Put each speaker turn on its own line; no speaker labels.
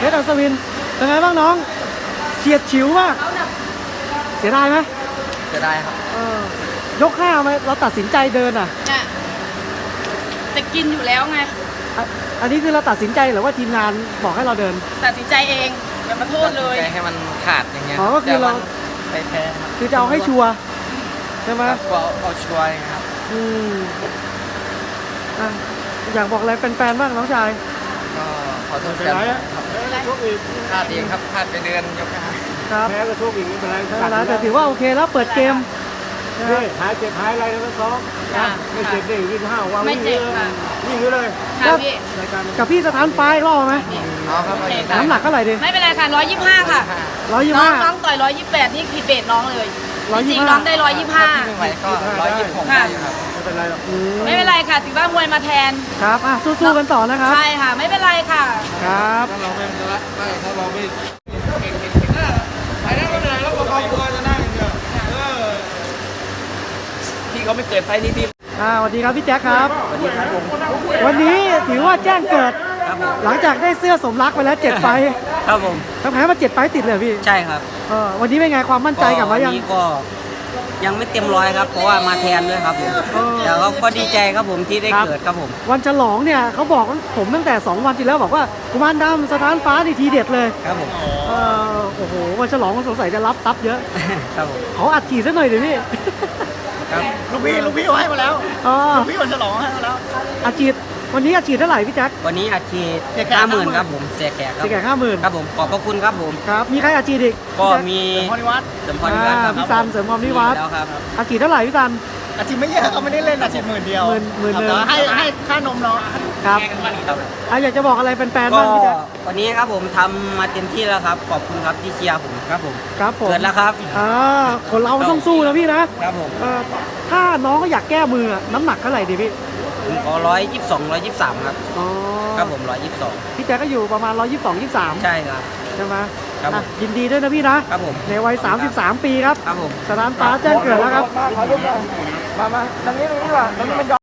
ชรอัศวินเป็นไงบ้างน้องเฉียดฉิวมากเสียดายไหม
เสียดายครับ
ยก5ไหมเราตัดสินใจเดินอ่ะ
จะกินอยู่แล้วไง
อันนี้คือเราตัดสินใจหรือว่าทีมงานบอกให้เราเดิน
ตัดสินใจเองอย่ามาโทษเลย
ให้มันขาดอย่างเงี้ย
อ๋อก็คือเรา
ไปแพ้
คือจะเอาให้ชัวร์ใช่ไหม
เอาชัวร์ครับ
อยากบอกอะไรแฟนๆบ้างน้องชาย
ก็ขอโทษแฟนครับพลาดเองครับพลาดไปเดือนยก
ครับ
แพ้ก็ทุกอีกไม่เป็นไร
แต่ถือว่าโอเคแล้วเปิดเกม
หายเจ็บหายอะไรแล้วก็ซ้อมไม่เจ็บได้วิ่ง5 วัน
ไม่เจ็บค่ะ
วิ่งเลย
กับพี่สถานไฟรอบไหมน้ำหนักเท่าไหร่ดิ
ไม่เป็นไรค่ะ125ค่ะน้องต่อย128นี่ผิดเบสน้องเลยจริงน้องได้125
ไม่ไหวก็126ได้ครับ
ไม่เป็นไรหรอก
ไม่เป็นไรค่ะถือว่ามวยมาแทน
ครับสู้ๆกันต่อนะครับ
ใช่ค่ะไม่เป็นไรค่ะ
ครับ
ถ้าเราไม่ถ้าเราไม่ไปได้ไม่เป็นไรแล้วก็ครอบครัวจะนั่งเถอะ
พี่เขาไม่เกิดไฟนี้พี่
สวัสดีครับพี่แจ็คครับ
สวัสดีครับผม
วันนี้ถือว่าแจ้งเกิดหลังจากได้เสื้อสมรักไปแล้ว7 ไฟ
ครับผม
แพ้มา7 ไฟติดเลยพี่
ใช่ครับ
วันนี้เป็นไงความมั่นใจกลับมายัง
ก็ยังไม่เต็มร้อยครับเพราะว่ามาแทนด้วยครับผมแต่ก็ดีใจครับผมที่ได้เกิดครับผม
วันฉลองเนี่ยเขาบอกผมตั้งแต่2 วันที่แล้วบอกว่ากุมารดำสถานฟ้านี่ทีเด็ดเลย
ครับผม
โอ้โหวันฉลองสงสัยจะรับทับเยอะ
ครับผม
ขออัดฉีดซะหน่อยเดี๋ยวพี่
ลูกพี่ให้มาแล้วลูกพี่วันฉลองให้มาแล้ว
อัดฉีดวันนี้อัดฉีดเท่าไหร่พี่แจ็ค
วันนี้อัดฉีด50,000ครับผมเสียแขกครับ
50,000
ครับผมขอบพระคุณครับผม
ครับมีใครอัดฉีดอีก
ก็มีเสริมพรนิวัฒน์
พี่ซันเสริมพรนิวัฒน์
แล้วครับ
อัดฉีดเท่าไหร่พี่ซัน
อัดฉีดไม่เยอะเขาไม่ได้เล่นอัดฉีด10,000เดียวให้ค่านมเนาะ
ครับอยากจะบอกอะไรแฟนๆบ้างพี่แจ็ค
วันนี้ครับผมทำมาเต็มที่แล้วครับขอบคุณครับที่เชียร์ผมครับผม
ครับผม
เกิดแล้วครับ
คนเราต้องสู้นะพี่นะครับ
ผม
ถ้าน้องก็อยากแก้มือน้ำหนักเท่าไหร่ดีพี่
ผมขอ122 123ครับครับผม122
พี่แจ๊ก็อยู่ประมาณ122 23
ใช่ครับ
ใช่ไหม
ครับ
ยินดีด้วยนะพี่นะครับ
ผม
ในวัย33 ปีครับ
ครับผม
สถานฟ้าแจ้งเกิดแล้วครับ
มาทางนี้ว่าตรงนี้มัน